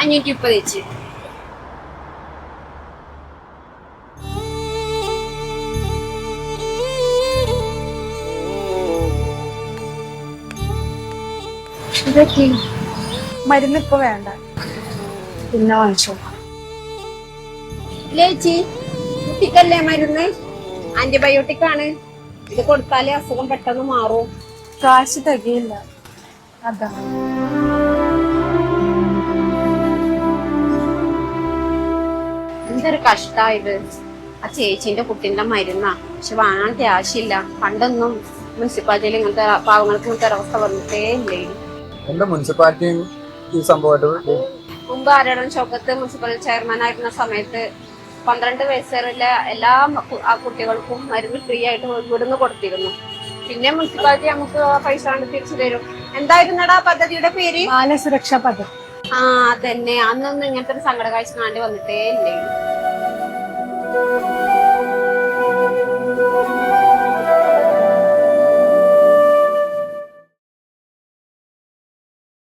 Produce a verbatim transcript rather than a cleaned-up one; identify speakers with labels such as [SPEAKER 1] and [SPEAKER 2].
[SPEAKER 1] അഞ്ഞൂറ്റി മുപ്പത് വെച്ച്.
[SPEAKER 2] ഇതൊക്കെ മരുന്ന് ഇപ്പൊ വേണ്ട, പിന്നെ വാങ്ങിച്ചോ.
[SPEAKER 1] ചേച്ചി, കുട്ടിക്കല്ലേ മരുന്ന്? ആന്റിബയോട്ടിക് ആണ്. ഇത് കൊടുത്താലേ അസുഖം പെട്ടെന്ന് മാറും.
[SPEAKER 2] കാശ് തികയില്ല, അതാ.
[SPEAKER 1] എന്തൊരു കഷ്ടായത്. ആ ചേച്ചിന്റെ കുട്ടിന്റെ മരുന്നാ, പക്ഷെ വാങ്ങാൻ ക്യാഷില്ല. പണ്ടൊന്നും മുനിസിപ്പാലിറ്റിയിൽ ഇങ്ങനത്തെ പാവങ്ങൾക്ക് ഇങ്ങനത്തെ ഒരവസ്ഥ വന്നിട്ടേ ഇല്ലേ.
[SPEAKER 3] എന്താ മുനിസിപ്പാലിറ്റി ഈ സംഭവമായിട്ട്?
[SPEAKER 1] മുമ്പ് ആരോടും ചൊക്കത്ത് മുനിസിപ്പൽ ചെയർമാൻ ആയിരുന്ന സമയത്ത് പന്ത്രണ്ട് വയസ്സുള്ള എല്ലാ ആ കുട്ടികൾക്കും മരുന്ന് ഫ്രീ ആയിട്ട് ഇവിടുന്ന് കൊടുത്തിരുന്നു. പിന്നെ മുനിസിപ്പാലിറ്റി നമുക്ക് പൈസ കൊണ്ട് തിരിച്ചു തരും. എന്തായിരുന്നടാ പദ്ധതിയുടെ പേര്?
[SPEAKER 2] ബാലസുരക്ഷാ പദ്ധതി.
[SPEAKER 1] ആ അതന്നെ. അന്നൊന്നും ഇങ്ങനത്തെ ഒരു സങ്കട കാഴ്ച കാണേണ്ടി വന്നിട്ടേ ഇല്ലേ.